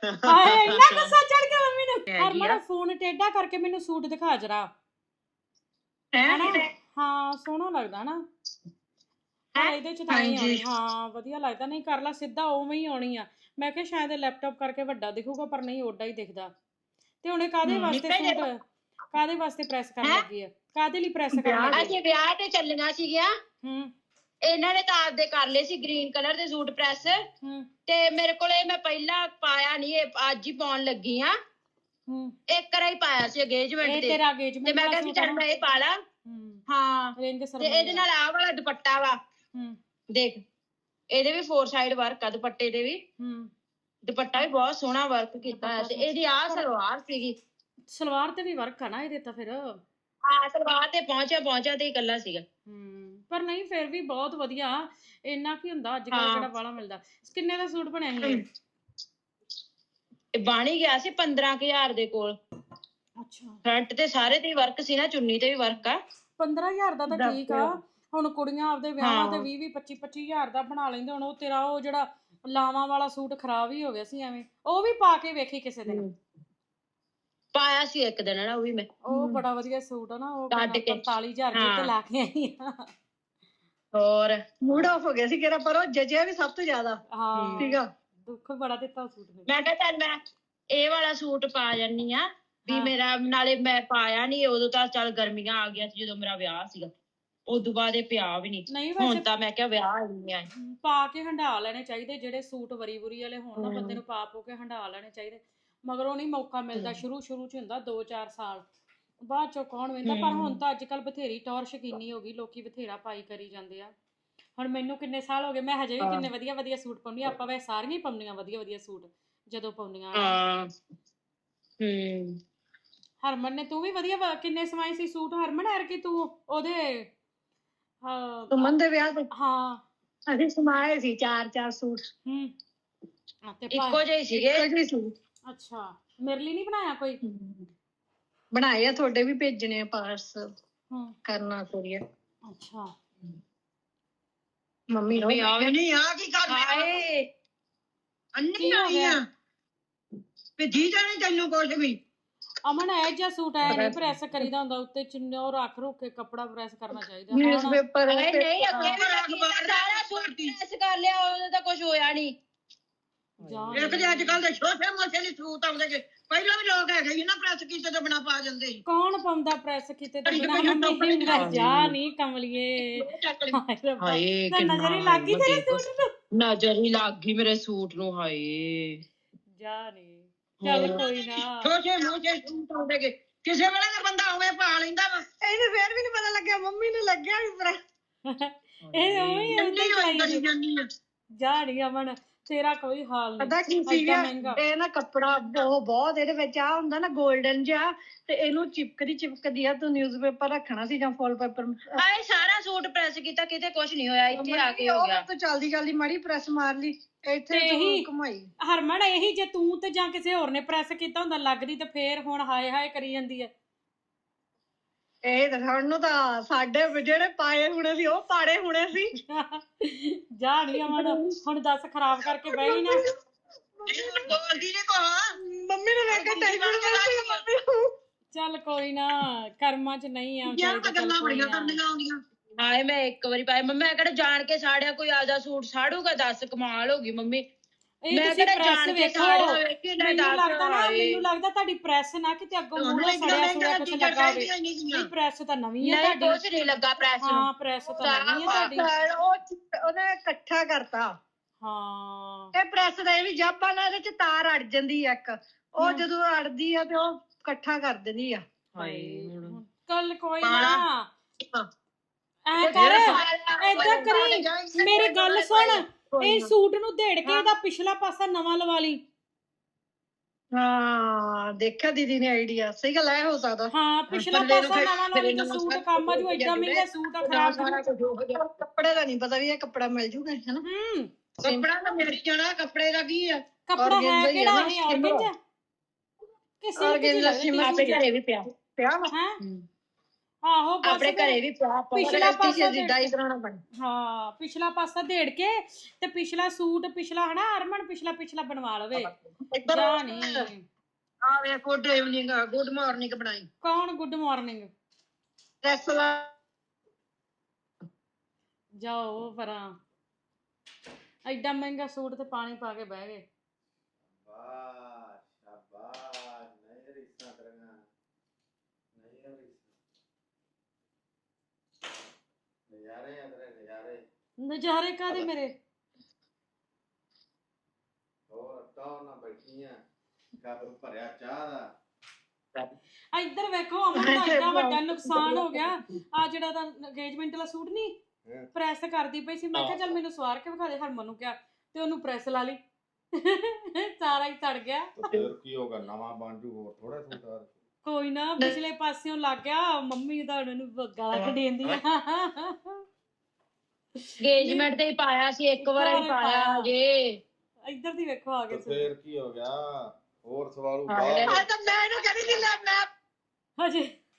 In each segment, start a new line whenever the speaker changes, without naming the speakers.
ਹਾਏ ਇੰਨਾ ਗੁੱਸਾ ਚੜ ਗਿਆ ਮੰਮੀ ਨੂੰ। ਹਰਮਨ ਫੋਨ ਟੇਢਾ ਕਰਕੇ ਮੈਨੂੰ ਸੂਟ ਦਿਖਾ ਜਰਾ ਹਨਾ। ਹਾਂ ਸੋਹਣਾ ਲੱਗਦਾ ਨਾ ਪਰ ਇਹਦੇ ਚ ਤਾਂ ਨਹੀਂ ਆਉਣੀ। ਹਾਂ ਵਧੀਆ ਲੱਗਦਾ। ਨਹੀਂ ਕਰ ਲਾ ਸਿੱਧਾ ਉਵੇਂ ਹੀ ਆਉਣੀ ਆ। ਮੈਂ ਕਿਹਾ ਸ਼ਾਇਦ ਲੈਪਟਾਪ ਕਰਕੇ ਵੱਡਾ ਦਿਖੂਗਾ ਪਰ ਨਹੀਂ ਓਡਾ ਹੀ ਦਿਖਦਾ। ਤੇ ਹੁਣ ਕਾਹਦੇ ਵਾਸਤੇ ਸੂਟ ਕਾਹਦੇ ਵਾਸਤੇ ਪ੍ਰੈਸ ਕਰਨ ਲੱਗੀ ਆ? ਕਾਹਦੇ ਲਈ ਪ੍ਰੈਸ ਕਰਨ ਲੱਗੀ?
ਅਸੀਂ ਵਿਆਹ ਤੇ ਚੱਲੀਆਂ ਸੀਗੀਆਂ। ਇਹਨਾਂ ਨੇ ਤਾਂ ਆਪਦੇ ਕਰ ਲਏ ਸੀ ਗ੍ਰੀਨ ਕਲਰ ਦੇ ਸੂਟ ਪ੍ਰੈਸ। ਤੇ ਮੇਰੇ ਕੋਲੇ ਮੈਂ ਪਹਿਲਾਂ ਪਾਇਆ ਨਹੀਂ, ਇਹ ਅੱਜ ਹੀ ਪਾਉਣ ਲੱਗੀ ਆ। ਇੱਕ ਵਾਰ ਹੀ ਪਾਇਆ ਸੀ ਅੰਗੇਜਮੈਂਟ ਤੇ।
ਤੇਰਾ ਅੰਗੇਜਮੈਂਟ
ਤੇ ਮੈਂ ਕਿਹਾ ਸੀ ਚੱਲ ਮੈਂ ਇਹ ਪਾ ਲਾਂ। ਹਾਂ ਤੇ ਇਹਦੇ ਨਾਲ ਆਹ ਵਾਲਾ ਦੁਪੱਟਾ ਵਾ ਦੇਖ, ਇਹਦੇ ਵੀ 4 ਸਾਈਡ ਵਰਕ ਆ ਦੁਪੱਟੇ ਦੇ ਵੀ। ਦੁਪੱਟਾ ਵੀ ਬਹੁਤ ਸੋਹਣਾ ਵਰਕ ਕੀਤਾ ਹੋਇਆ ਤੇ ਇਹਦੀ ਆਹ ਸਲਵਾਰ ਸੀਗੀ।
ਸਲਵਾਰ ਤੇ ਵੀ ਵਰਕ ਆ ਨਾ ਇਹਦੇ ਤਾਂ ਫਿਰ।
ਹਾਂ ਸਲਵਾਰ ਤੇ ਪਹੁੰਚਿਆ ਤੇ ਇਕੱਲਾ ਸੀਗਾ।
ਪਰ ਨਹੀਂ ਫਿਰ ਵੀ ਬਹੁਤ ਵਧੀਆ। ਇੰਨਾ ਕੀ ਹੁੰਦਾ ਅੱਜ ਕੱਲ ਕਿਹੜਾ ਬਾਹਲਾ ਮਿਲਦਾ। ਕਿੰਨੇ ਦਾ ਸੂਟ ਬਣਿਆ ਸੀ
ਇਹ? ਬਣ ਹੀ ਗਿਆ ਸੀ 15,000 ਦੇ ਕੋਲ।
ਅੱਛਾ
ਫਰੰਟ ਤੇ ਸਾਰੇ ਤੇ ਵਰਕ ਸੀ ਨਾ, ਚੁੰਨੀ ਤੇ ਵੀ ਵਰਕ ਆ।
15,000 ਦਾ ਤਾਂ ਠੀਕ ਆ। ਹੁਣ ਕੁੜੀਆਂ ਆਪਦੇ ਵਿਆਹਾਂ ਤੇ 20 25,000 ਦਾ ਬਣਾ ਲੈਂਦੇ। ਹੁਣ ਉਹ ਤੇਰਾ ਉਹ ਜਿਹੜਾ ਲਾਵਾਂ ਵਾਲਾ ਸੂਟ ਖਰਾਬ ਹੀ ਹੋ ਗਿਆ ਸੀ ਐਵੇਂ। ਉਹ ਵੀ ਪਾ ਕੇ ਵੇਖੀ ਕਿਸੇ ਦਿਨ।
ਪਾਇਆ ਸੀ ਇੱਕ ਦਿਨ ਨਾ ਉਹ ਵੀ ਮੈਂ।
ਉਹ ਬੜਾ ਵਧੀਆ ਸੂਟ ਆ ਨਾ। ਉਹ 45,000 ਤੇ ਲਾ ਕੇ ਆਈ ਆ।
ਹੋਰ ਮੂਡ ਆਫ ਹੋ ਗਿਆ ਸੀ ਕਿਹੜਾ, ਪਰ ਉਹ ਜਜਿਆ ਵੀ ਸਭ ਤੋਂ ਜ਼ਿਆਦਾ ਸੀਗਾ।
ਦੁੱਖ ਬੜਾ ਦਿੱਤਾ ਸੂਟ ਨੇ।
ਮੈਂ ਕਿਹਾ ਚੱਲ ਮੈਂ ਇਹ ਵਾਲਾ ਸੂਟ ਪਾ ਜਾਨੀ ਆ ਵੀ ਮੇਰਾ, ਨਾਲੇ ਮੈਂ ਪਾਇਆ ਨੀ ਉਦੋਂ ਤਾਂ ਚੱਲ ਗਰਮੀਆਂ ਆ ਗਿਆ ਸੀ ਜਦੋਂ ਮੇਰਾ ਵਿਆਹ ਸੀਗਾ। ਉਦੋਂ ਬਾਅਦ ਇਹ ਪਿਆ ਵੀ ਨਹੀਂ। ਹੁਣ ਤਾਂ ਮੈਂ ਕਿਹਾ ਵਿਆਹ ਆਈ ਆ।
ਪਾ ਕੇ ਹੰਢਾ ਲੈਣੇ ਚਾਹੀਦੇ ਜਿਹੜੇ ਸੂਟ ਵਰੀ ਵਾਲੇ ਹੋਣ ਨਾ, ਬੰਦੇ ਨੂੰ ਪਾ ਕੇ ਹੰਢਾ ਲੈਣੇ ਚਾਹੀਦੇ। ਮਗਰੋਂ ਨਹੀਂ ਮੌਕਾ ਮਿਲਦਾ। ਸ਼ੁਰੂ ਚ ਹੁੰਦਾ 2-4 ਸਾਲ, ਬਾਅਦ ਚੋਂ ਕੌਣ ਵੇਂਦਾ। ਪਰ ਹੁਣ ਤਾਂ ਅੱਜ ਕੱਲ ਬਥੇਰੀ ਟੌਰ ਸ਼ਕੀਨੀ ਹੋ ਗਈ, ਲੋਕੀ ਬਥੇਰਾ ਪਾਈ ਕਰੀ ਜਾਂਦੇ ਆ। ਹੁਣ ਮੈਨੂੰ ਕਿੰਨੇ ਸਾਲ ਹੋ ਗਏ, ਮੈਂ ਹਜੇ ਵੀ ਕਿੰਨੇ ਵਧੀਆ ਵਧੀਆ ਸੂਟ ਪਾਉਂਦੀ। ਆਪਾਂ ਵੈਸੇ ਸਾਰੀਆਂ ਹੀ ਪਾਉਂਦੀਆਂ ਵਧੀਆ ਵਧੀਆ ਸੂਟ ਜਦੋਂ ਪਾਉਂਦੀਆਂ। ਹਰਮਨ ਨੇ ਤੂੰ ਵੀ ਵਧੀਆ ਕਿੰਨੇ ਸਵਾਏ ਸੀ ਸੂਟ ਹਰਮਨ? ਐਰਕੀ ਤੂੰ ਉਹਦੇ
ਸੁਮਨ ਦੇ ਵਿਆਹ ਤੇ?
ਹਾਂ
ਅਸੀਂ ਸਮਾਏ ਸੀ 4-4 ਸੂਟ। ਇੱਕੋ ਜਿਹੇ ਸੀਗੇ।
ਅੱਛਾ ਮੇਰੇ ਲਈ ਨਹੀਂ ਬਣਾਇਆ ਕੋਈ?
ਬਣਾਏ ਆ, ਤੁਹਾਡੇ ਵੀ ਭੇਜਣੇ ਆ ਪਾਰਸਲ ਕਰਨਾ ਕੋਰੀਅਰ।
ਅੱਛਾ
ਮੰਮੀ ਆਵੇ ਨਹੀਂ ਆ ਕੀ ਕਰ ਹਾਏ ਅੰਨੀ ਆਈ ਆ ਤੇ ਜੀ ਜਾਣੇ ਤੈਨੂੰ ਕੁਝ ਵੀ।
ਅਮਨ ਇਹ ਜਿਹਾ ਸੂਟ ਐ ਨਹੀਂ ਪ੍ਰੈਸ ਕਰੀਦਾ ਹੁੰਦਾ। ਉੱਤੇ ਚੁੰਨੀ ਉਹ ਰੱਖ ਕੇ ਕੱਪੜਾ ਪ੍ਰੈਸ ਕਰਨਾ ਚਾਹੀਦਾ।
ਨਿਊਜ਼ਪੇਪਰ ਨਹੀਂ ਅੱਗੇ ਵੀ ਸਾਰਾ ਸੂਟ ਪ੍ਰੈਸ ਕਰ ਲਿਆ, ਉਹਦਾ ਤਾਂ ਕੁਝ ਹੋਇਆ ਨਹੀਂ। ਇੱਕ ਤੇ ਅੱਜ ਕੱਲ ਦੇ ਛੋਟੇ ਮੋਟੇ ਨਹੀਂ ਸੂਟ ਆਉਂਦੇ ਕਿ ਪਹਿਲਾਂ ਵੀ ਲੋਕ ਹੈਗੇ ਸੀ ਨਾ ਪ੍ਰੈਸ ਕੀਤੇ ਤੋਂ ਬਿਨਾ ਪਾ ਜਾਂਦੇ ਸੀ।
ਕੌਣ ਪਾਉਂਦਾ ਪ੍ਰੈਸ ਕੀਤੇ ਤੋਂ ਬਿਨਾ? ਜਾ ਨਹੀਂ ਕਮਲੀਏ। ਹਾਏ ਨਜ਼ਰ ਹੀ ਲੱਗ ਗਈ ਤੇਰੇ ਸੂਟ ਨੂੰ।
ਨਜ਼ਰ ਹੀ ਲੱਗ ਗਈ ਮੇਰੇ ਸੂਟ ਨੂੰ। ਹਾਏ
ਜਾ ਨਹੀਂ। ਚੱਲ ਕੋਈ ਨਾ।
ਛੋਟੇ ਮੋਟੇ ਸੂਟ ਆਉਂਦੇ ਕਿ ਕਿਸੇ ਵੇਲੇ ਤਾਂ ਬੰਦਾ ਉਵੇਂ ਪਾ ਲੈਂਦਾ ਵਾ। ਇਹਨੂੰ ਫੇਰ ਵੀ ਨਹੀਂ ਪਤਾ ਲੱਗਿਆ, ਮੰਮੀ ਨੂੰ ਲੱਗਿਆ ਵੀ ਪਰ
ਇਹ ਉਵੇਂ
ਕਰੀ ਜਾਂਦੀ ਆ।
ਜਾ ਨਹੀਂ ਅਮਨ ਤੇਰਾ ਕੋਈ ਹਾਲ ਨਹੀਂ।
ਪਤਾ ਕੀ ਸੀਗਾ ਇਹ ਨਾ ਕੱਪੜਾ ਉਹ ਬਹੁਤ ਇਹਦੇ ਵਿੱਚ ਆ ਹੁੰਦਾ ਨਾ 골ਡਨ ਜਿਹਾ, ਤੇ ਇਹਨੂੰ ਚਿਪਕਦੀ ਆ। ਤੂੰ ਨਿਊਜ਼ਪੇਪਰ ਰੱਖਣਾ ਸੀ ਜਾਂ ਫੋਲ ਪੇਪਰ। ਹਾਏ ਸਾਰਾ ਸੂਟ ਪ੍ਰੈਸ ਕੀਤਾ, ਕਿਤੇ ਕੁਝ ਨਹੀਂ ਹੋਇਆ। ਇੱਥੇ ਆ ਕੇ ਹੋ ਗਿਆ। ਤੂੰ ਜਲਦੀ ਮਾੜੀ ਪ੍ਰੈਸ ਮਾਰ ਲਈ ਇੱਥੇ ਤੂੰ ਘੁਮਾਈ।
ਹਰਮਨ ਇਹੀ ਜੇ ਤੂੰ ਤੇ ਜਾਂ ਕਿਸੇ ਹੋਰ ਨੇ ਪ੍ਰੈਸ ਕੀਤਾ ਹੁੰਦਾ ਲੱਗਦੀ ਤੇ ਫੇਰ ਹੁਣ ਹਾਏ ਹਾਏ ਕਰੀ ਜਾਂਦੀ ਹੈ।
ਇਹ ਤਾਂ ਸਾਨੂੰ ਤਾਂ ਸਾਡੇ ਜਿਹੜੇ ਪਾਏ ਹੁਣੇ ਸੀ ਉਹ ਪਾੜੇ ਹੁਣੇ ਸੀ।
ਜਾ ਨਹੀਂ ਅਮਨ ਹੁਣ ਦੱਸ ਖਰਾਬ ਕਰਕੇ ਬਹਿ ਗਈ ਨਾ।
ਮੰਮੀ ਨੇ ਵੇਖਿਆ ਟੈਨਸ਼ਨ।
ਚੱਲ ਕੋਈ ਨਾ ਕਰਮਾਂ ਚ ਨਹੀਂ ਆ।
ਹਾਏ ਮੈਂ ਇੱਕ ਵਾਰੀ ਪਾਇਆ ਮੰਮੀ। ਮੈਂ ਕਿਹੜਾ ਜਾਣ ਕੇ ਸਾੜਿਆ? ਕੋਈ ਆਪਦਾ ਸੂਟ ਸਾੜੂਗਾ? ਦੱਸ ਕਮਾਲ ਹੋ ਗਈ ਮੰਮੀ।
ਮੈਂ ਕਿਹੜਾ ਜਾਣ ਕੇ ਸਾੜਿਆ? ਮੈਨੂੰ ਲੱਗਦਾ ਤੁਹਾਡੀ ਪ੍ਰੈਸ ਨਾ ਕਿਤੇ ਅੱਗੋਂ ਮੂਹਰੇ ਸੜਿਆ ਸੁੜਿਆ ਕੁਛ ਲੱਗਾ ਹੋਵੇ। ਨਹੀਂ ਪ੍ਰੈਸ ਤਾਂ ਨਵੀਂ ਹੈ ਤੁਹਾਡੀ।
ਕੁਛ ਨਹੀਂ ਲੱਗਾ ਪ੍ਰੈਸ ਨੂੰ।
ਹਾਂ ਪ੍ਰੈਸ ਤਾਂ ਨਵੀਂ ਹੈ ਤੁਹਾਡੀ।
ਉਹਨੇ ਇਕੱਠਾ ਕਰਤਾ।
ਹਾਂ
ਇਹ ਪ੍ਰੈਸ ਦਾ ਇਹ ਵੀ ਜੱਬ ਨਾ, ਇਹਦੇ ਚ ਤਾਰ ਅੜ ਜਾਂਦੀ ਆ ਇੱਕ। ਉਹ ਜਦੋਂ ਅੜਦੀ ਆ ਤੇ ਉਹ ਇਕੱਠਾ ਕਰ ਦਿੰਦੀ ਆ।
ਕੱਲ ਕੋਈ ਨਾ ਐ ਕਰ ਏਦਾਂ ਕਰੀ ਮੇਰੀ ਗੱਲ ਸੁਣ। ਇਹ ਸੂਟ ਨੂੰ ਦੇੜ ਕੇ ਇਹਦਾ ਪਿਛਲਾ ਪਾਸਾ ਨਵਾਂ ਲਵਾ ਲਈ।
ਹਾਂ ਦੇਖਿਆ ਦੀਦੀ ਨੇ ਆਈਡੀਆ। ਸਹੀ ਗੱਲ ਹੈ, ਹੋ ਸਕਦਾ।
ਹਾਂ ਪਿਛਲਾ ਪਾਸਾ ਨਵਾਂ ਲਾ ਲਈ ਤੇ ਸੂਟ ਕੰਮ ਆ ਜੂ। ਏਦਾਂ ਮਹਿੰਗਾ ਸੂਟ ਆ ਖਰਾਬ।
ਕੱਪੜੇ ਦਾ ਨਹੀਂ ਪਤਾ ਵੀ ਇਹ ਕੱਪੜਾ ਮਿਲ ਜੂਗਾ ਹਨਾ। ਕੱਪੜਾ ਤਾਂ ਮਿਲ ਜਾਣਾ। ਕੱਪੜੇ ਦਾ ਕੀ ਆ?
ਕੱਪੜਾ ਹੈ ਕਿਹੜਾ ਇਹ ਔਰਗੈਂਜਾ? ਕਿਸੇ ਵੀ ਪਿਆ ਹੈ ਆਹੋ ਬਸ
ਆਪਣੇ ਘਰੇ ਵੀ
ਪਿਛਲਾ ਪਾਸਾ
ਜਿੱਦਾਂ ਹੀ ਕਰਾਉਣਾ ਪੈਣਾ।
ਹਾਂ ਪਿਛਲਾ ਪਾਸਾ ਦੇੜ ਕੇ ਤੇ ਪਿਛਲਾ ਸੂਟ ਪਿਛਲਾ ਹਨਾ ਹਰਮਨ ਪਿਛਲਾ ਬਣਵਾ ਲਵੇ ਜਾ ਨਹੀਂ
ਆ ਵੇ ਗੁੱਡ ਇਵਨਿੰਗ ਗੁੱਡ ਮਾਰਨਿੰਗ ਬਣਾਈ
ਕੌਣ ਗੁੱਡ ਮਾਰਨਿੰਗ
ਰੈਸਲਾ
ਜਾਓ ਪਰਾਂ ਐਡਾ ਮਹਿੰਗਾ ਸੂਟ ਤੇ ਪਾਣੀ ਪਾ ਕੇ ਬਹਿ ਗਏ
ਵਾਹ ਸ਼ਾਬਾਸ਼ ਨਹੀਂ ਰੀਸਾਂ ਕਰਾਂਗਾ ਨਹੀਂ ਨਜ਼ਾਰੇ ਆ ਤੇਰੇ ਨਜ਼ਾਰੇ
ਨਜ਼ਾਰੇ ਕਾਦੇ ਮੇਰੇ
ਹੋਰ ਟੌਰ ਨਾਲ ਬੈਠੀ ਆ ਕੱਪ ਭਰਿਆ ਚਾਹ ਦਾ
ਇੱਧਰ ਵੇਖੋ ਅਮਨ ਦਾ ਇੰਨਾ ਵੱਡਾ ਨੁਕਸਾਨ ਹੋ ਗਿਆ ਆ ਜਿਹੜਾ ਦਾ ਅੰਗੇਜਮੈਂਟ ਵਾਲਾ ਸੂਟ ਨਹੀਂ ਪ੍ਰੈਸ ਕਰਦੀ ਪਈ ਸੀ ਮੈਂ ਕਿਹਾ ਚੱਲ ਮੈਨੂੰ ਸਵਾਰ ਕੇ ਵਿਖਾ ਦੇ ਹਰਮਨ ਨੂੰ ਕਿਹਾ ਤੇ ਉਹਨੂੰ ਪ੍ਰੈਸ ਲਾ ਲਈ ਸਾਰਾ ਹੀ ਸੜ ਗਿਆ
ਫਿਰ ਕੀ ਹੋਗਾ ਨਵਾਂ ਬਣ ਜੂ ਹੋਰ ਥੋੜਾ ਸੂਟ
ਕੋਈ ਨਾ ਪਿਛਲੇ ਪਾਸਿਓਂ ਲੱਗ ਗਿਆ ਮੰਮੀ ਦਾ ਉਹਨੂੰ ਗਾਲਾਂ ਕੱਢੀਂਦੀ ਆ
engagement ਤੇ ਹੀ ਪਾਇਆ ਸੀ ਇੱਕ ਵਾਰ ਹੀ ਪਾਇਆ ਜੇ
ਇੱਧਰ ਦੀ ਵੇਖੋ ਆ ਗਏ
ਫਿਰ ਕੀ ਹੋ ਗਿਆ ਹੋਰ ਸਵਾਲੂ
ਤਾਂ ਮੈਂ ਇਹਨੂੰ ਕਹਿੰਦੀ ਸੀ ਲੈ ਮੈਂ
ਹਜੇ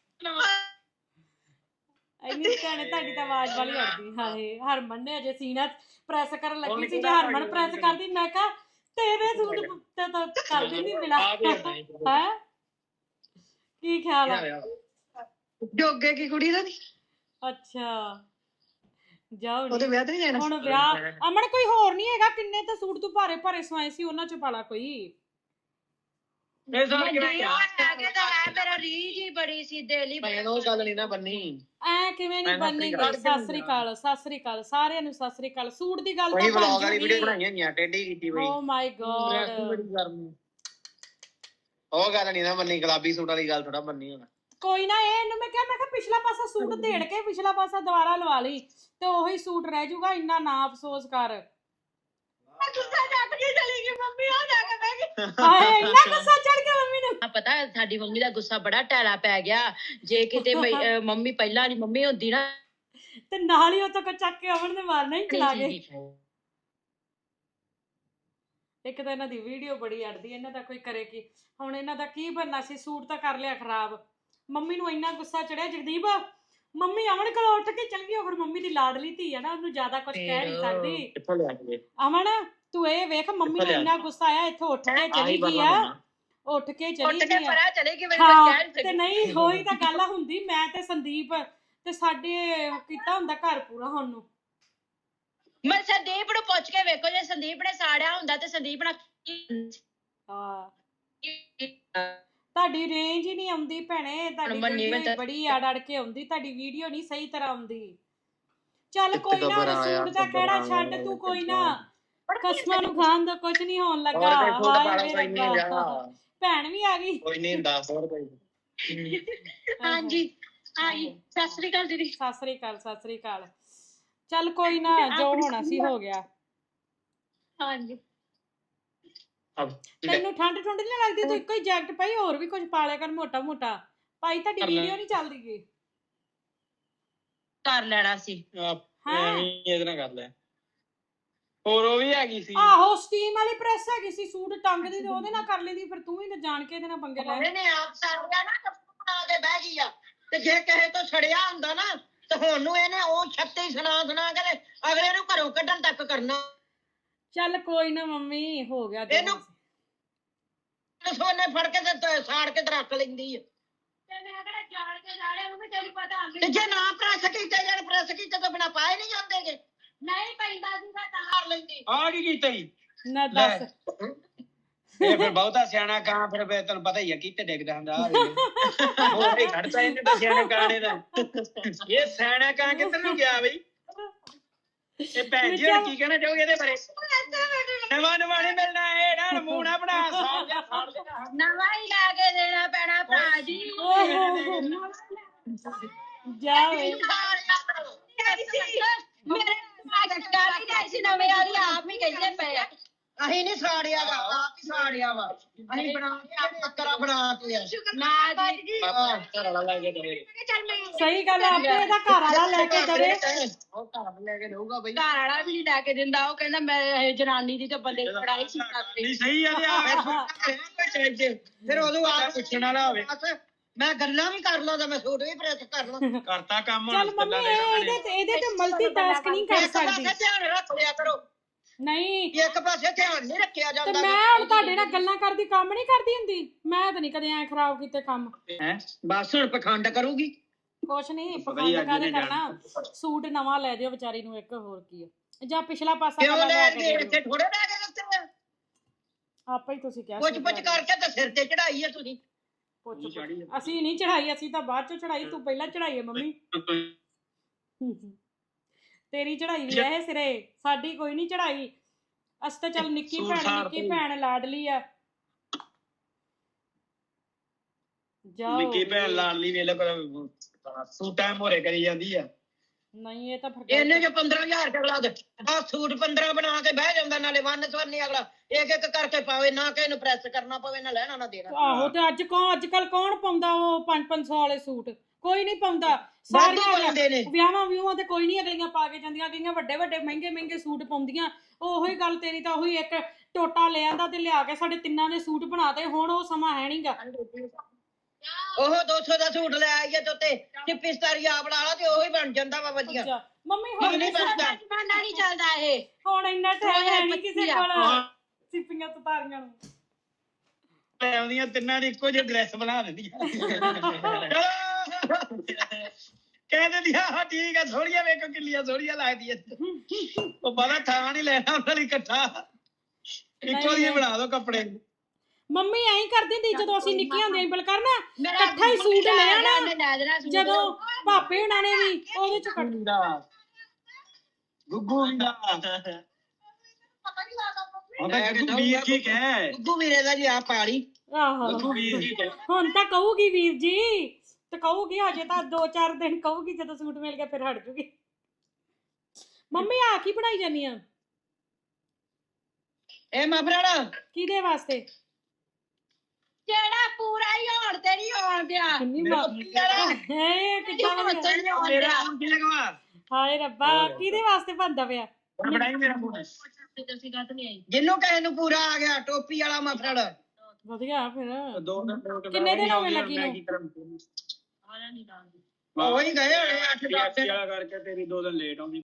ਇੰਨੀ ਭੈਣੇ ਤੁਹਾਡੀ ਤਾਂ ਆਵਾਜ਼ ਵਾਲੀ ਅੜਦੀ ਹਾਏ ਹਰਮਨ ਨੇ ਅਜੇ ਸੀਨਾ ਪ੍ਰੈਸ ਕਰਨ ਲੱਗੀ ਸੀ ਜੇ ਹਰਮਨ ਪ੍ਰੈਸ ਕਰਦੀ ਮੈਂ ਕਿਹਾ ਤੇਰੇ ਸੂਟ ਤੇ ਤਾਂ ਕਰ ਦਿੰਦੀ ਮਿਲਾ ਹੈ ਕੀ ਖਿਆਲ ਆ
ਜੋਗੇ ਕੀ ਕੁੜੀ ਦਾ ਨੀ
ਅੱਛਾ ਜਾਓ
ਉਹਦੇ ਵਿਆਹ ਤੇ ਨਹੀਂ ਜਾਣਾ
ਹੁਣ ਵਿਆਹ ਅਮਨ ਕੋਈ ਹੋਰ ਨਹੀਂ ਹੈਗਾ ਕਿੰਨੇ ਤਾਂ ਸੂਟ ਤੂੰ ਭਾਰੇ ਭਾਰੇ ਸਵਾਏ ਸੀ ਉਹਨਾਂ ਚ ਪਾਲਾ ਕੋਈ
ਮੇਰਾ ਰੀਝ ਹੀ ਬੜੀ ਸੀ ਦਿਲ
ਭੈਣ ਉਹ ਗੱਲ ਨਹੀਂ ਨਾ ਬੰਨੀ
ਐ ਕਿਵੇਂ ਨਹੀਂ ਬੰਨੇਗੀ ਸਤਿ ਸ੍ਰੀ ਅਕਾਲ ਸਾਰਿਆਂ ਨੂੰ ਸਤਿ ਸ੍ਰੀ ਅਕਾਲ ਸੂਟ ਦੀ ਗੱਲ ਤਾਂ
ਵਹੀ ਵਲੌਗ
ਬਣ
ਵਾਲੀ ਵੀਡੀਓ
ਜੂਗੀ
ਬਣਾਈਆਂ ਨਹੀਂ ਟੇਢੀ ਕੀਤੀ ਬਈ
ਓ ਮਾਈ ਗॉड
ਉਹ ਗੱਲ ਨਹੀਂ ਨਾ ਬੰਨੀ ਗੁਲਾਬੀ ਸੂਟ ਵਾਲੀ ਗੱਲ ਥੋੜਾ ਬੰਨੀ ਹੁਣ
ਕੋਈ ਨਾ ਇਹਨੂੰ ਮੈਂ ਕਿਹਾ ਪਿਛਲਾ ਪਾਸਾ ਸੂਟ ਦੇੜ ਕੇ ਪਿਛਲਾ ਪਾਸਾ ਦੁਬਾਰਾ ਲਵਾ ਲਈ ਤੇ ਉਹੀ ਸੂਟ ਰਹਿ ਜਾਊਗਾ ਇੰਨਾ ਨਾ ਅਫਸੋਸ ਕਰ ਹਾਏ ਇੰਨਾ ਗੁੱਸਾ ਚੜ ਗਿਆ ਮੰਮੀ ਨੂੰ
ਪਤਾ ਸਾਡੀ ਮੰਮੀ ਦਾ ਗੁੱਸਾ ਬੜਾ ਟੈਲਾ ਪੈ ਗਿਆ ਜੇ ਕਿਤੇ ਮੰਮੀ ਪਹਿਲਾਂ ਨਹੀਂ ਮੰਮੀ ਹੁੰਦੀ ਨਾ
ਤੇ ਨਾਲ ਹੀ ਉਹ ਤੋਂ ਚੱਕ ਕੇ ਅਮਨ ਨੇ ਮਾਰਨਾ ਹੀ ਚਲਾ ਗਏ ਇੱਕ ਤਾਂ ਇਹਨਾਂ ਦੀ ਵੀਡੀਓ ਬੜੀ ਅੜਦੀ ਇਹਨਾਂ ਦਾ ਕੋਈ ਕਰੇ ਕੀ ਹੁਣ ਇਹਨਾਂ ਦਾ ਕੀ ਬਣਨਾ ਸੀ ਸੂਟ ਤਾਂ ਕਰ ਲਿਆ ਖਰਾਬ ਮੰਮੀ ਨੂੰ ਇੰਨਾ ਗੁੱਸਾ ਚੜਿਆ ਜਗਦੀਪ ਮੰਮੀ ਅਮਨ ਕੋਲ ਉੱਠ ਕੇ ਚਲ ਗਈ ਫਿਰ ਮੰਮੀ ਦੀ ਲਾਡਲੀ ਧੀ ਆ ਨਾ ਉਹਨੂੰ ਜ਼ਿਆਦਾ ਕੁਝ ਕਹਿ ਨਹੀਂ ਸਕਦੀ
ਕਿੱਥੋਂ ਲਿਆ ਕੇ
ਅਮਨ ਤੂੰ ਇਹ ਵੇਖ ਮੰਮੀ ਨੂੰ ਇੰਨਾ ਗੁੱਸਾ ਆਇਆ ਇੱਥੋਂ ਉੱਠ ਕੇ ਚਲੀ ਗਈ ਆ ਉੱਠ ਕੇ ਚਲੀ ਗਈ ਆ ਤੇ ਨਹੀਂ ਹੋਈ ਤਾਂ ਗੱਲ ਹੁੰਦੀ ਮੈਂ ਤੇ ਸੰਦੀਪ ਤੇ ਸਾਡੇ ਕੀਤਾ ਹੁੰਦਾ ਘਰ ਪੂਰਾ ਹੁਣ ਨੂੰ
ਮੈਂ ਸੰਦੀਪ ਨੂੰ ਪੁੱਛ ਕੇ ਵੇਖੋ ਜੇ ਸੰਦੀਪ ਨੇ ਸਾੜਿਆ ਹੁੰਦਾ ਤੇ ਸੰਦੀਪ ਨਾਲ
ਹਾਂ ਤੁਹਾਡੀ ਰੇਂਜ ਹੀ ਨਹੀਂ ਆਉਂਦੀ ਭੈਣੇ ਤੁਹਾਡੀ ਵੀਡੀਓ ਬੜੀ ਅੜ ਕੇ ਆਉਂਦੀ ਤੁਹਾਡੀ ਵੀਡੀਓ ਨਹੀਂ ਸਹੀ ਤਰ੍ਹਾਂ ਆਉਂਦੀ ਚੱਲ ਕੋਈ ਨਾ ਰਸੂਲ ਦਾ ਕਿਹੜਾ ਛੱਡ ਤੂੰ ਕੋਈ ਨਾ ਕਸਮਾਂ ਨੂੰ ਖਾਣ ਦਾ ਕੁਝ ਨਹੀਂ ਹੋਣ ਲੱਗਾ ਹਾਏ ਮੇਰੇ ਭੈਣ ਵੀ ਆ ਗਈ
ਕੋਈ ਨਹੀਂ 10 ਰੁਪਏ
ਹਾਂਜੀ ਆਈ ਸਤਿ ਸ੍ਰੀ ਅਕਾਲ ਦੀਦੀ
ਸਤਿ ਸ੍ਰੀ ਅਕਾਲ ਚੱਲ ਕੋਈ ਨਾ ਜੋ ਹੋਣਾ ਸੀ ਹੋ ਗਿਆ
ਹਾਂਜੀ
ਤੈਨੂੰ ਠੰਡ ਨਹੀਂ ਲੱਗਦੀ ਤੂੰ ਇੱਕੋ ਹੀ ਜੈਕਟ ਪਾਈ ਹੋਰ ਵੀ ਕੁਝ ਪਾ ਲਿਆ ਕਰ ਮੋਟਾ ਭਾਈ ਤੁਹਾਡੀ ਵੀਡੀਓ ਨਹੀਂ ਚੱਲਦੀ ਗਈ
ਕਰ ਲੈਣਾ ਸੀ
ਇਹਦੇ ਨਾਲ ਕਰ ਲੈ ਹੋਰ ਉਹ ਵੀ ਹੈਗੀ ਸੀ
ਆਹੋ ਸਟੀਮ ਵਾਲੀ ਪ੍ਰੈਸ ਹੈਗੀ ਸੀ ਸੂਟ ਟੰਗਦੀ ਤੇ ਉਹਦੇ ਨਾਲ ਕਰ ਲੈਂਦੀ ਫਿਰ ਤੂੰ ਹੀ ਤਾਂ ਜਾਣ ਕੇ ਇਹਦੇ ਨਾਲ ਪੰਗੇ ਲੈ
ਇਹਨੇ ਆਪ ਸਾਰਿਆ ਨਾ ਬਣਾ ਕੇ ਬਹਿ ਗਈ ਆ ਤੇ ਜੇ ਕਿਸੇ ਤੋਂ ਛੜਿਆ ਹੁੰਦਾ ਨਾ ਤੇ ਹੁਣ ਨੂੰ ਇਹਨੇ ਉਹ ਛੱਤੇ ਸੁਣਾ ਕੇ ਅਗਲੇ ਨੂੰ ਘਰੋਂ ਕੱਢਣ ਤੱਕ ਕਰਨਾ
ਚੱਲ ਕੋਈ ਨਾ ਮੰਮੀ ਹੋ ਗਿਆ
ਇਹਨੂੰ ਸੋਨੇ ਫੜ ਕੇ ਤੇ ਸਾੜ ਕੇ ਰੱਖ ਲੈਂਦੀ ਆ ਤੇ ਜੇ ਨਾ ਪ੍ਰੈਸ ਕੀਤਾ ਯਾਰ ਪ੍ਰੈਸ ਕੀਤਾ ਤਾਂ ਬਿਨਾ ਪਾਏ ਨਹੀਂ ਜਾਂਦੇਗੇ ਨਹੀਂ ਪੈਂਦਾ ਸੀਗਾ ਤਾਂ ਕਰ ਲੈਂਦੀ
ਆ ਕੀ ਕੀਤਾ ਜੀ
ਨਾ ਦੱਸ
ਇਹ ਫਿਰ ਬਹੁਤਾ ਸਿਆਣਾ ਕਾਂ ਫਿਰ ਤੈਨੂੰ ਪਤਾ ਹੀ ਆ ਕਿੱਥੇ ਡਿੱਗਦਾ ਹੁੰਦਾ ਆ ਉਹ ਹੀ ਖੜਦਾ ਇਹਨੇ ਤਾਂ ਸਿਆਣੇ ਕਾਣੇ ਦਾ ਇਹ ਸਿਆਣਾ ਕਾਂ ਕਿੱਧਰ ਨੂੰ ਗਿਆ ਬਈ ਇਹ ਭੈਣ ਜੀ ਕੀ ਕਹਿਣਾ ਚਾਹੋਗੇ ਇਹਦੇ ਬਾਰੇ ਨਵਾਂ ਨਹੀਂ ਮਿਲਣਾ ਇਹ ਨਾ ਨਮੂਨਾ ਬਣਾ ਸਾੜ ਦੇਣਾ
ਨਵਾਂ ਹੀ ਲਾ ਕੇ ਦੇਣਾ ਪੈਣਾ ਭਰਾ ਜੀ
ਜਾ
ਮੇਰੇ ਗਾੜੀ ਦਾ ਸੀ ਨਵੇਂ ਵਾਲੀ ਆਪ ਹੀ ਕਹਿੰਦੇ ਪਏ ਆ ਅਸੀਂ ਨਹੀਂ ਸਾੜਿਆ ਵਾ ਆਪ ਹੀ ਸਾੜਿਆ ਵਾ ਅਸੀਂ ਬਣਾ ਕੇ ਬੱਕਰਾ ਬਣਾ ਕੇ ਨਾ ਜੀ
ਘਰ ਵਾਲਾ ਲੈ ਕੇ ਦਵੇ
ਸਹੀ ਗੱਲ ਆਪੇ ਇਹਦਾ ਘਰ ਵਾਲਾ ਲੈ ਕੇ ਦਵੇ
ਉਹ ਘਰ ਲੈ ਕੇ ਦਊਗਾ ਬਈ
ਘਰ ਵਾਲਾ ਵੀ ਨਹੀਂ ਲੈ ਕੇ ਦਿੰਦਾ ਉਹ ਕਹਿੰਦਾ ਮੈਂ ਜਨਾਨੀ ਦੀ ਤੇ ਬੰਦੇ ਦੀ ਲੜਾਈ ਸੀ
ਨਹੀਂ ਸਹੀ ਆ ਤੇ ਆ ਫਿਰ ਉਦੋਂ ਆ
ਪੁੱਛਣ ਵਾਲਾ ਹੋਵੇ
ਮੈਂ ਗੱਲਾਂ ਵੀ ਕਰ ਲਾਂ ਤੇ ਮੈਂ ਸੂਟ ਵੀ ਪ੍ਰੈਸ ਕਰ ਲਾਂ।
ਕਰਤਾ ਕੰਮ ਹੁਣ
ਚੱਲ ਮੰਮੀ ਇਹਦੇ ਤੇ ਮਲਟੀਟਾਸਕ ਨਹੀਂ ਕਰ
ਇੱਕ ਪਾਸੇ
ਸਕਦੀ
ਧਿਆਨ ਰੱਖ ਲਿਆ ਕਰੋ,
ਨਹੀਂ
ਇੱਕ ਪਾਸੇ ਧਿਆਨ ਨਹੀਂ ਰੱਖਿਆ
ਤੇ
ਜਾਂਦਾ।
ਮੈਂ ਹੁਣ ਤੁਹਾਡੇ ਨਾਲ ਗੱਲਾਂ ਕਰਦੀ ਕੰਮ ਨਹੀਂ ਕਰਦੀ ਹੁੰਦੀ। ਮੈਂ ਤਾਂ ਨਹੀਂ ਕਦੇ ਐ ਖਰਾਬ ਕੀਤੇ ਕੰਮ।
ਹੈ
ਬਸ ਹੁਣ ਪਖੰਡ ਕਰੂਗੀ।
ਕੁਛ ਨਹੀਂ
ਪਤਾ ਹੀ
ਪਖੰਡ
ਅੱਜ
ਕਾਹਦੇ
ਇਹਨੇ
ਕਰਨਾ। ਸੂਟ ਨਵਾਂ ਲੈ ਦਿਓ ਵਿਚਾਰੀ ਨੂੰ ਇੱਕ, ਹੋਰ ਕੀ ਆ। ਜਾਂ ਪਿਛਲਾ ਪਾਸਾ
ਕਿਉਂ
ਕਲਰ
ਲੈ
ਲੈ
ਕੇ
ਕੇ
ਇੱਥੇ
ਦਿਓ।
ਥੋੜੇ ਲੈ ਕੇ ਦਿੱਤੇ ਆ?
ਆਪੇ ਹੀ ਤੁਸੀਂ ਕਿਹਾ
ਪੁੱਛ
ਸੂਟ
ਪੁੱਛ
ਲੈ ਦਿਓ।
ਕਰਕੇ ਤੇ ਸਿਰ ਤੇ ਚੜਾਈ ਹੈ ਤੁਸੀਂ।
ਪੁੱਛ ਅਸੀਂ ਨਹੀਂ ਚੜਾਈ, ਅਸੀਂ ਤਾਂ ਬਾਅਦ ਚੋਂ ਚੜਾਈ। ਤੂੰ ਪਹਿਲਾਂ ਚੜਾਈ ਹੈ ਮੰਮੀ। ਤੇਰੀ ਚੜਾਈ ਵੀ ਹੈ ਸਿਰੇ, ਸਾਡੀ ਕੋਈ ਨਹੀਂ ਚੜਾਈ। ਅਸੀਂ ਤਾਂ ਚੱਲ ਨਿੱਕੀ ਭੈਣ ਲਾਡਲੀ ਆ। ਜਾਓ
ਨਿੱਕੀ ਭੈਣ ਲਾਡਲੀ ਵੇਲੇ ਸੂਟਾਂ ਮੋਰੇ ਕਰੀ ਜਾਂਦੀ ਆ।
ਨਹੀਂ ਇਹ ਤਾਂ ਫਿਰ
ਇਹਨੇ ਜੋ 15,000 ਅਗਲਾ ਦੇ ਆ ਸੂਟ 15 ਬਣਾ ਕੇ ਬਹਿ ਜਾਂਦਾ, ਨਾਲੇ ਵੰਨ ਸਵਰਨੀ ਅਗਲਾ ਇੱਕ ਇੱਕ ਕਰਕੇ ਪਾਵੇ, ਨਾ ਕਿਸੇ ਨੂੰ ਪ੍ਰੈਸ ਕਰਨਾ ਪਵੇ, ਨਾ ਲੈਣਾ ਨਾ ਦੇਣਾ।
ਆਹੋ ਤੇ ਅੱਜ ਕੱਲ ਕੌਣ ਪਾਉਂਦਾ ਉਹ 500 ਵਾਲੇ ਸੂਟ? ਕੋਈ ਨਹੀਂ ਪਾਉਂਦਾ।
ਵਾਧੂ
ਸਾਰੀਆਂ
ਪਾਉਂਦੇ ਨੇ।
ਵਿਆਹਾਂ ਤੇ ਕੋਈ ਨਹੀਂ ਅਗਲੀਆਂ ਪਾ ਕੇ ਜਾਂਦੀਆਂ, ਕਈਆਂ ਵੱਡੇ ਮਹਿੰਗੇ ਸੂਟ ਪਾਉਂਦੀਆਂ। ਉਹੀ ਗੱਲ ਤੇਰੀ ਤਾਂ ਉਹੀ ਇੱਕ ਟੋਟਾ ਲੈ ਆਂਦਾ ਤੇ ਲਿਆ ਕੇ ਸਾਡੇ ਤਿੰਨਾਂ ਦੇ ਸੂਟ ਬਣਾਤੇ। ਹੁਣ ਉਹ ਸਮਾਂ ਹੈ ਨਹੀਂਗਾ।
ਉਹ 200 ਦਾ ਸੂਟ ਲੈ ਆਈਏ ਤੇ ਉੱਤੇ ਚਿੱਪੀ ਸਤਾਰੀ ਆਪ ਲਾ ਲਾ ਤੇ ਉਹੀ ਬਣ ਜਾਂਦਾ ਵਾ ਵਧੀਆ।
ਮੰਮੀ ਹੁਣ
ਨਹੀਂ ਬਣਦਾ,
ਜ਼ਮਾਨਾ ਨਹੀਂ ਚੱਲਦਾ ਇਹ।
ਹੁਣ ਇੰਨਾ ਟਾਈਮ ਹੈ ਨਹੀਂ ਕਿਸੇ ਕੋਲ ਸਿੱਪੀਆਂ ਸਤਾਰੀਆਂ ਨੂੰ।
ਲੈ ਆਉਂਦੀਆਂ ਤਿੰਨਾਂ ਦੀ ਇੱਕੋ ਜਿਹੀ ਡਰੈਸ ਬਣਾ ਦਿੰਦੀਆਂ। ਕਹਿ ਦਿੰਦੀਆਂ ਹਾਂ ਠੀਕ ਆ, ਥੋੜੀਆਂ ਵੇਖੋ ਕਿੰਨੀਆਂ ਸੋਹਣੀਆਂ ਲੱਗਦੀਆਂ। ਉਹ ਪਤਾ ਥਾਂ ਨਹੀਂ ਲੈਣਾ ਉਹਨਾਂ ਲਈ ਇਕੱਠਾ, ਇੱਕੋ ਜਿਹੇ ਬਣਾ ਦੋ ਕੱਪੜੇ।
ਮੰਮੀ ਐਂ ਕਰਦੀ ਹੁੰਦੀ ਜਦੋਂ ਅਸੀਂ ਨਿੱਕੀਆਂ ਹੁੰਦੀਆਂ ਬਲਕਰ ਨਾ ਇਕੱਠਾ ਹੀ ਸੂਟ ਲੈ ਆਣਾ। ਜਦੋਂ ਭਾਪੇ ਹੁਣਾਂ ਨੇ ਵੀ ਉਹਦੇ ਚ
ਗੁੱਗੂ ਵੀਰਾ ਗੁੱਗੂ ਵੀਰ ਜੀ ਕਹਿ,
ਗੁੱਗੂ ਵੀਰੇ ਦਾ ਜੀ ਆ ਪਾਲੀ।
ਆਹੋ
ਗੁੱਗੂ ਵੀਰ ਜੀ ਕਹਿ।
ਹੁਣ ਤਾਂ ਕਹੂਗੀ ਵੀਰ ਜੀ ਤੇ ਕਹੂਗੀ, ਹਜੇ ਤਾਂ 2-4 ਦਿਨ ਕਹੂਗੀ, ਜਦੋਂ ਸੂਟ ਮਿਲ ਗਿਆ ਫਿਰ ਹਟ ਜੂਗੀ। ਮੰਮੀ ਆ ਕੀ ਬਣਾਈ ਜਾਨੀ ਆ?
ਇਹ ਮਫਰਲ
ਕਿਹਦੇ ਵਾਸਤੇ?
ਜਿਹੜਾ ਪੂਰਾ ਹੀ ਹੋਣ ਤੇ ਨਹੀਂ ਹੋਣ ਦਿਆ।
ਮੇਰਾ ਹੁਣ ਕੀ ਲਗਵਾ
ਹਾਏ ਰੱਬਾ, ਕਿਹਦੇ ਵਾਸਤੇ ਬਣਦਾ ਪਿਆ?
ਬਣਾਈ ਮੇਰਾ ਫੋਨ।
ਜਿਹਨੂੰ ਕਿਸੇ ਨੂੰ ਪੂਰਾ ਆ ਗਿਆ ਟੋਪੀ ਵਾਲਾ ਮਫਰਲ।
ਵਧੀਆ ਫਿਰ।
ਕਿੰਨੇ
ਦਿਨ ਹੋ ਗਏ ਲੱਗੀ ਨੂੰ?
ਉਹੀ ਗਏ ਹੋਣੇ 8-10 ਦਿਨ
ਕਰਕੇ ਤੇਰੀ 2 ਦਿਨ ਲੇਟ ਆਉਂਦੀ।